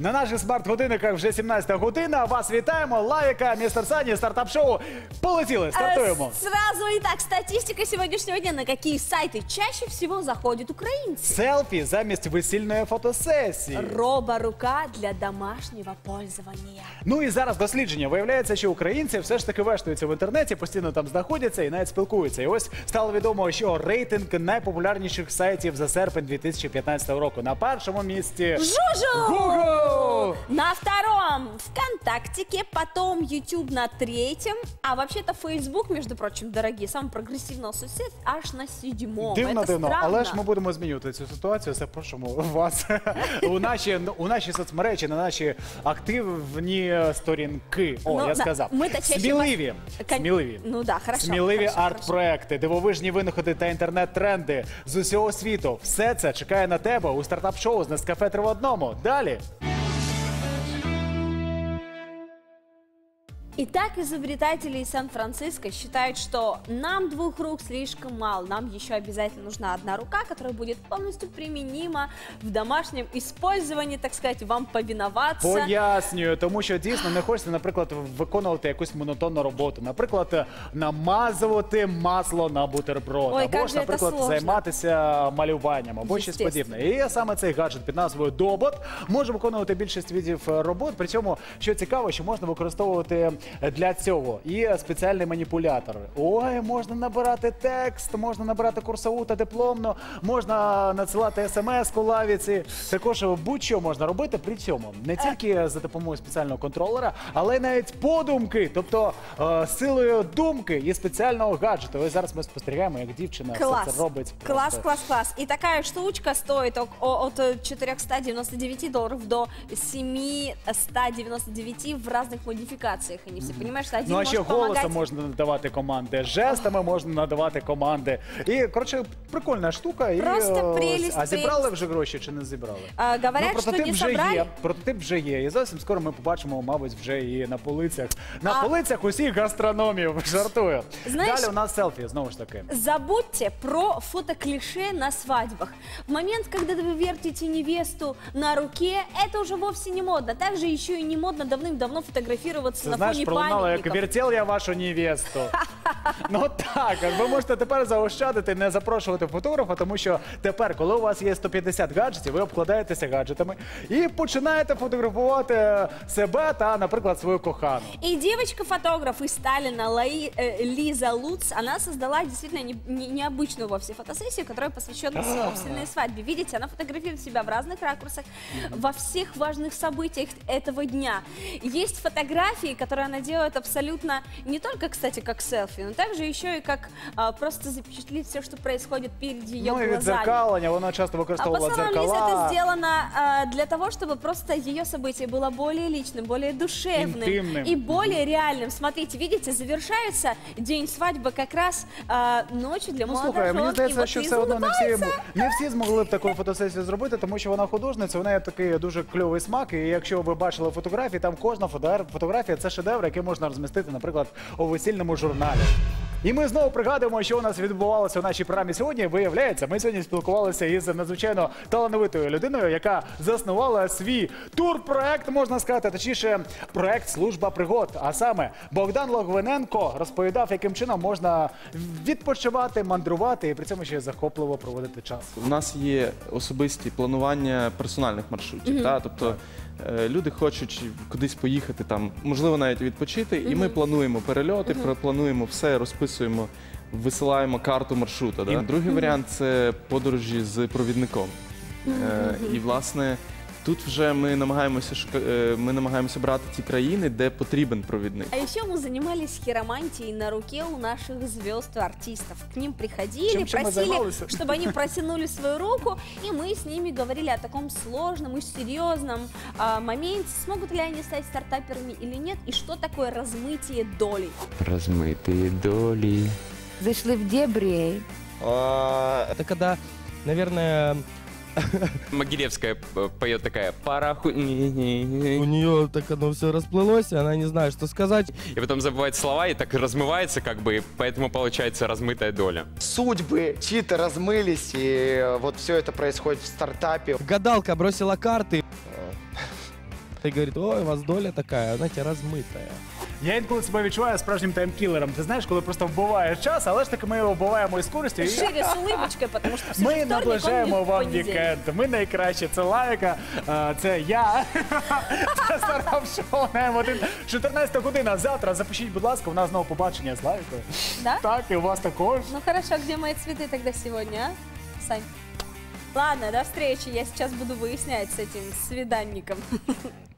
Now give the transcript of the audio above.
На наших смарт-годинниках вже 17 година. Вас вітаємо. Лавіка, містер Сані, стартап-шоу. Полетіли, стартуємо. Сразу итак, статистика сегодняшнего дня. На какие сайты чаще всего заходят украинцы? Селфі замість весільної фотосесії. Роборука для домашнего пользования. Ну і зараз дослідження. Виявляється, що українці все ж таки вештуються в інтернеті, постійно там знаходяться і навіть спілкуються. І ось стало відомо, що рейтинг найпопулярніших сайтів за серпень 2015 року. На першому місці Жужу! Google! На втором ВКонтактике, потом YouTube на третьем, а вообще-то Facebook, между прочим, дорогие, самый прогрессивный соцсеть аж на седьмом. Дивно, Это дивно, странно. але ж ми будемо змінювати цю ситуацію. Запрошуємо вас у наші соцмережі, на наші активні сторінки. О, Ну, я да, сказав. ми-то чаще Сміливі. Сміливі. Ну да, хорошо. Сміливі хорошо, арт-проекти, дивовижні винаходи та інтернет-тренди з усього світу. Все це чекає на тебе у стартап-шоу з Нескафе 3 в одному. Далі. Итак, изобретатели из Сан-Франциско считают, что нам двух рук слишком мало. Нам еще обязательно нужна одна рука, которая будет полностью применима в домашнем использовании, так сказать, вам повиноваться. Пояснюю, тому що дійсно не хочеться, наприклад, виконувати якусь монотонну роботу. Наприклад, намазувати масло на бутерброд. Ой, або як ж, же наприклад, це сложно. займатися малюванням, або щось Естественно. подібне. І саме цей гаджет під назвою Добот може виконувати більшість видів робот. При цьому, що цікаво, що можна використовувати для цього і спеціальний маніпулятор. Ой, можна набирати текст, можна набирати курсову та дипломну, можна надсилати смс-ку лавіці. Також будь-що можна робити при цьому. Не тільки за допомогою спеціального контролера, але й навіть подумки, тобто силою думки і спеціального гаджету. Ось зараз ми спостерігаємо, як дівчина Класс. все це робить. Класс, Просто. класс, класс. И такая штучка стоит от $499 до $799 в разных модификациях. Они все, понимаешь, что один Ну а ще может помогать. голосом можна надавати команди, жестами можна надавати команди. І, коротше, прикольна штука. Просто і, прелість, а зібрали прелість. вже гроші чи не зібрали? Говорят, что не собрали. Є, прототип вже є. І зовсім скоро ми побачимо, мабуть, вже і на полицях. На полицях усіх гастрономів, жартую. Знаєш, Далі у нас селфі, знову ж таки. Забудьте про фотоклише на свадьбах. В момент, когда вы вертите невесту на руке, это уже вовсе не модно. Также еще и не модно давным-давно фотографироваться Це, на знаєш, фоне пролунало, як памятников. вертел я вашу невесту. Ну так, ви можете тепер заощадити, не запрошувати фотографа, тому що тепер, коли у вас є 150 гаджетів, ви обкладаєтеся гаджетами і починаєте фотографувати себе та, наприклад, свою кохану. И девочка-фотограф из Сталина Лиза Луц, она создала действительно необычную вовсе фотосессию, которая посвящена собственной свадьбе. Видите, она фотографирует себя в разных ракурсах, во всех важных событиях этого дня. Есть фотографии, которые она делает абсолютно не только, кстати, как селфи, но также еще и как просто запечатлеть все, что происходит перед ее Ну і глазами. відзеркалення, вона часто А використовувала по словам Лизы, это дзеркала. сделано для того, чтобы просто ее событие было более личным, более душевным Интимным. и более реальным. Смотрите, видите, завершается день свадьбы как раз ночью для Ну, молодожен. слухай, мені И здається, вот що Лиза все одно улыбается. не всі змогли б таку фотосесію зробити, тому що вона художниця, у неї такий дуже кльовий смак, і якщо ви бачили фотографії, там кожна фотографія – це шедевр, який можна розмістити, наприклад, у весільному журналі. І ми знову пригадуємо, що у нас відбувалося у нашій програмі сьогодні. Виявляється, ми сьогодні спілкувалися із надзвичайно талановитою людиною, яка заснувала свій турпроект, можна сказати, точніше, проект «Служба пригод». А саме Богдан Логвиненко розповідав, яким чином можна відпочивати, мандрувати і при цьому ще й захопливо проводити час. У нас є особисті планування персональних маршрутів. Тобто люди хочуть кудись поїхати, там, можливо, навіть відпочити, і ми плануємо перельоти, плануємо все, розписуємо, висилаємо карту маршруту. Другий варіант – це подорожі з провідником. І, власне, тут вже ми намагаємося брати ті країни, де потрібен провідник. А еще мы занимались хиромантией на руке у наших звезд и артистов. К ним приходили, Чем мы просили, занимались? чтобы они протянули свою руку, и мы с ними говорили о таком сложном и серьезном моменте, смогут ли они стать стартаперами или нет, и что такое размытие долей. Размытые доли. Зашли в дебри. Это когда, наверное, Могилевская поет такая «Параху...» у нее так оно все расплылось, и она не знает, что сказать. И потом забывает слова и так размывается, как бы, и поэтому получается размытая доля. Судьбы чьи-то размылись, и вот все это происходит в стартапе. Гадалка бросила карты. И говорит, ой, у вас доля такая, знаете, размытая. Я інколи себе відчуваю справжнім таймкілером. Ти знаєш, коли просто вбиваєш час, але ж таки ми його вбиваємо із користю. І Шире с улыбочкой, потому что все ми наближаємо вам вікенд. Ми найкраще. Це Лайка, це я. Це Старав Шоу на М1. 14 година. Завтра запишіть, будь ласка, у нас знову побачення з Лайкою. Да? Так, і у вас також. Ну хорошо, где мои цветы тогда сегодня, а? Сань. Ладно, до встречи. Я сейчас буду выяснять с этим свиданником.